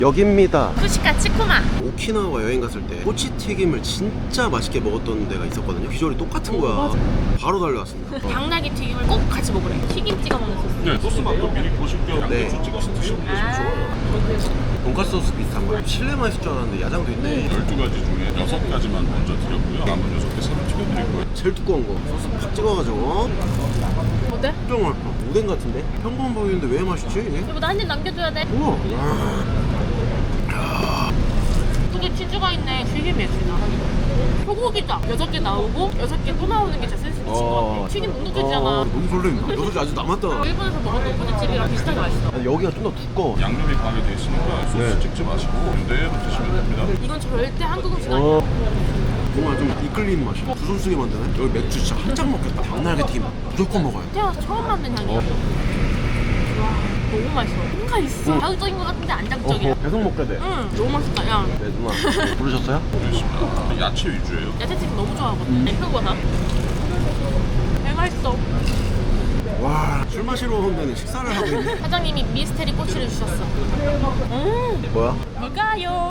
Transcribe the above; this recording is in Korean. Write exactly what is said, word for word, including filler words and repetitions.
여기입니다. 후시카 치쿠마. 오키나와 여행 갔을 때 꼬치튀김을 진짜 맛있게 먹었던 데가 있었거든요. 비주얼이 똑같은 거야. 바로 달려왔습니다. 당나귀 튀김을 꼭 같이 먹으래. 튀김 찍어 먹는 소스. 네, 소스 맛도 미리 보실 겸 네. 양배추 찍어서 드시면 아. 좋아요. 돈까스 소스 비슷한 거예요. 실내만 있을 줄 알았는데 야장도 있네. 열두 가지 중에 여섯 가지만 먼저 드렸고요. 남은 여섯 개 새로 튀겨드릴 거예요. 제일 두꺼운 거 소스 팍 찍어가지고 어때? 좀 맛있다. 오뎅 같은데? 평범 보이는데 왜 맛있지 이게? 여보 나 한 입 남겨줘야 돼. 우와. 속에 치즈가 있네. 튀김이 예술이다. 소고기다. 여섯 개 나오고 여섯 개 또 나오는 게 진짜 센스 미친 것 같아. 튀김 눅눅해지잖아. 어, 너무 설레인다. 여섯 개 아직 남았다. 일본에서 먹었던 꼬치집이랑 비슷하게 맛있어. 아니, 여기가 좀 더 두꺼워. 양념이 강하게 돼 있으니까 소스 네. 찍지 마시고 그대로 드시면 됩니다. 이건 절대 한국 음식 아니야. 어. 뭔가 좀 이끌리는 맛이야. 두 손 쓰게 만드네. 여기 맥주 진짜 한 잔 먹겠다. 당나귀 튀김 무조건 먹어요. 태어나서 처음 만든 향이야. 와 너무 맛있어. 뭔가 있어. 자극적인 것 같은데 안 자극적이야. 어허, 계속 먹게 돼. 응 너무 맛있다. 야 네 누나 부르셨어요? 알겠습니다. 야채 위주예요. 야채튀김 너무 좋아하거든. 음. 버섯. 개 맛있어. 와, 술 마시러 온 데는 식사를 하고 있네. 사장님이 미스테리 꼬치를 주셨어. 음 뭐야? 뭘까요?